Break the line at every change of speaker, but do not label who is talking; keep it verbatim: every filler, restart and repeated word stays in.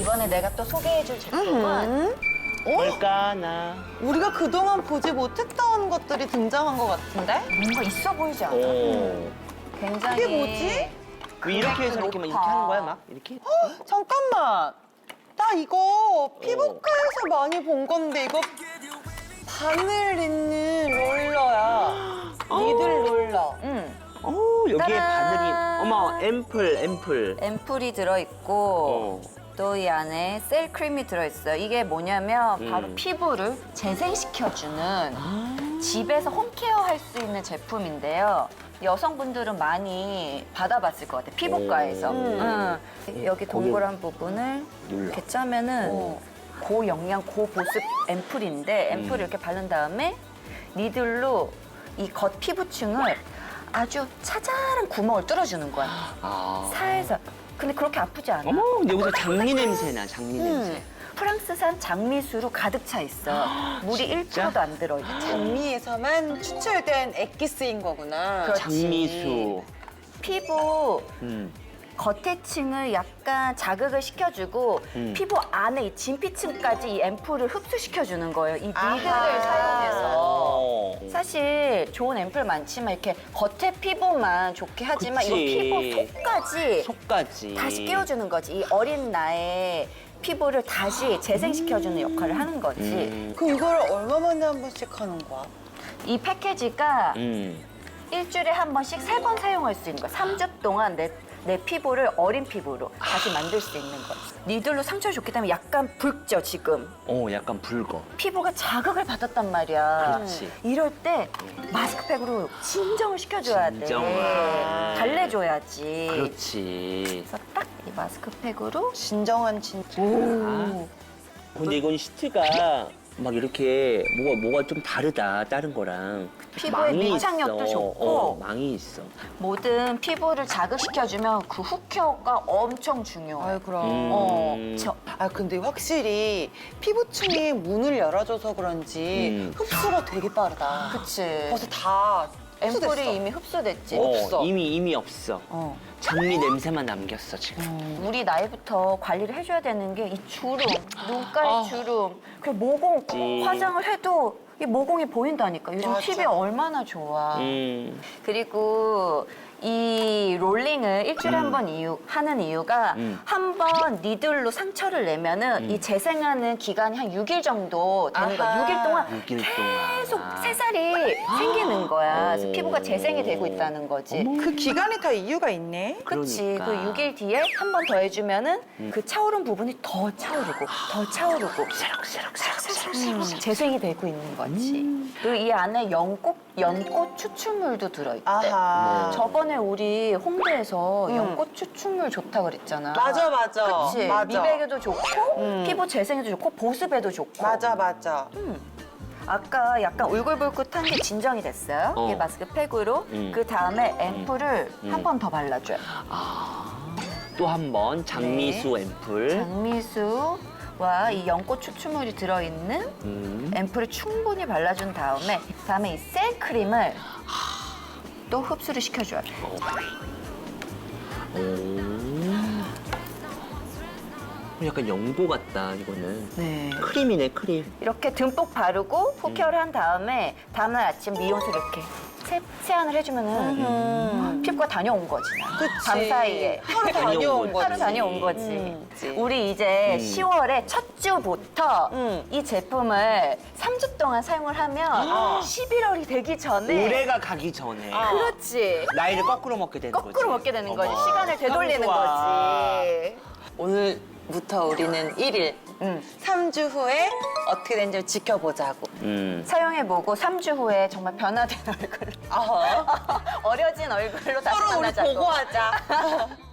이번에 내가 또 소개해줄 제품은
뭘까나.
우리가 그동안 보지 못했던 것들이 등장한 것 같은데?
뭔가 있어 보이지 않아?
오.
굉장히.
이게 뭐지?
왜 이렇게 해서 이렇게 막 이렇게 하는 거야, 막? 이렇게?
잠깐만. 나 이거 피부과에서 많이 본 건데 이거 바늘 있는 롤러야. 니들 롤러.
응.
오, 여기에
따란.
바늘이. 어머, 앰플, 앰플.
앰플이 들어있고
어.
또 이 안에 셀 크림이 들어있어요. 이게 뭐냐면
음.
바로 피부를 재생시켜주는 집에서 홈케어 할 수 있는 제품인데요. 여성분들은 많이 받아봤을 것 같아요. 피부과에서.
오.
응. 여기 동그란 부분을
눌러.
이렇게 짜면은
어.
고영양, 고보습 앰플인데 앰플을
음.
이렇게 바른 다음에 니들로 이 겉 피부층을 아주 차잘한 구멍을 뚫어주는 거야.
아.
살살. 근데 그렇게 아프지 않아.
어머, 근데 여기서 장미 냄새나, 장미 냄새.
음. 프랑스산 장미수로 가득 차 있어. 물이 일 퍼센트도 안 들어있고.
장미에서만 추출된 액기스인 거구나.
그렇지.
장미수.
피부
음.
겉에 층을 약간 자극을 시켜주고
음.
피부 안에 이 진피층까지 이 앰플을 흡수시켜주는 거예요. 이
아하.
니들을 사용해서.
어.
사실 좋은 앰플 많지만 이렇게 겉에 피부만 좋게 하지만
그치.
이거 피부 속까지
속까지.
다시 깨워주는 거지. 이 어린 나의 피부를 다시 재생시켜주는 역할을 하는 거지.
음.
그럼 이거를 얼마 만에 한 번씩 하는 거야?
이 패키지가
음.
일주일에 한 번씩 세 번 사용할 수 있는 거야. 삼 주 동안 내, 내 피부를 어린 피부로 다시 만들 수 있는 거지. 니들로 상처를 줬기 때문에 약간 붉죠, 지금.
어, 약간 붉어.
피부가 자극을 받았단 말이야.
그렇지.
이럴 때 마스크팩으로 진정을 시켜줘야 돼.
진정을.
달래줘야지.
그렇지.
그래서 딱 이 마스크팩으로
진정한 진.
아. 근데 이건 시트가 막 이렇게 뭐가 뭐가 좀 다르다 다른 거랑.
피부에
망이
밀착력도
있어.
좋고
어, 망이 있어.
모든 피부를 자극시켜주면 그 훅 케어가 엄청 중요해.
아유 그럼.
음.
어, 저,
아 근데 확실히 피부층이 문을 열어줘서 그런지
음.
흡수가 되게 빠르다.
그치.
벌써 다 흡수됐어.
앰플이 이미 흡수됐지.
어,
없어.
이미 이미 없어.
어.
장미 냄새만 남겼어 지금.
우리 나이부터 관리를 해줘야 되는 게 이 주름, 눈가의
아.
주름, 그리고 모공
그치.
화장을 해도 이 모공이 보인다니까. 요즘
맞아.
티비 얼마나 좋아.
음.
그리고 이 롤링을 일주일에
음.
한 번 이유, 하는 이유가
음.
한 번 니들로 상처를 내면은
음.
이 재생하는 기간이 한 육 일 정도 되는 거야.
아하.
육 일 동안
육 일 동안.
계속 새살이 생기는 거야. 그래서
오.
피부가 재생이 되고 있다는 거지.
그 기간이 다 이유가 있네.
그치.
그러니까.
그 육 일 뒤에 한 번 더 해주면은 그 차오른 부분이 더 차오르고 더 차오르고 음, 재생이 되고 있는 거지. 그리고 이 안에 연꽃, 연꽃 추출물도 들어있대.
아하.
저번에 우리 홍대에서
음.
연꽃 추출물 좋다 그랬잖아.
맞아 맞아.
그치.
맞아.
미백에도 좋고
음.
피부 재생에도 좋고 보습에도 좋고.
맞아 맞아.
아까 약간 울긋불긋한 게 진정이 됐어요.
어.
이 마스크팩으로.
음.
그 다음에 앰플을
음.
한 번 더 발라줘요.
또 한 번 장미수
네.
앰플.
장미수와 이 연꽃 추출물이 들어있는
음.
앰플을 충분히 발라준 다음에 다음에 이 셀 크림을 또 흡수를 시켜줘야 돼.
오. 약간 연고 같다 이거는.
네.
크림이네 크림.
이렇게 듬뿍 바르고 훅케어를 한 다음에 다음날 아침 미용실 이렇게 세, 세안을 해주면은
음.
피부가 다녀온 거지.
그치.
밤 사이에.
하루
다녀온
다녀온 거지.
하루 다녀온 거지.
음.
우리 이제
음.
시월에 첫 주부터
음.
이 제품을 삼 주 동안 사용을 하면 십일월이 되기 전에
올해가 가기 전에
아.
그렇지.
나이를 거꾸로 먹게 되는 거지.
거꾸로 먹게 되는 거지.
어머.
시간을 되돌리는
참 좋아.
거지.
오늘부터 우리는 일 일,
음.
삼 주 후에 어떻게 되는지 지켜보자고.
음.
사용해보고 삼 주 후에 정말 변화된 얼굴로
어허.
어려진 얼굴로 다시
서로 우리
만나자고.
보고하자.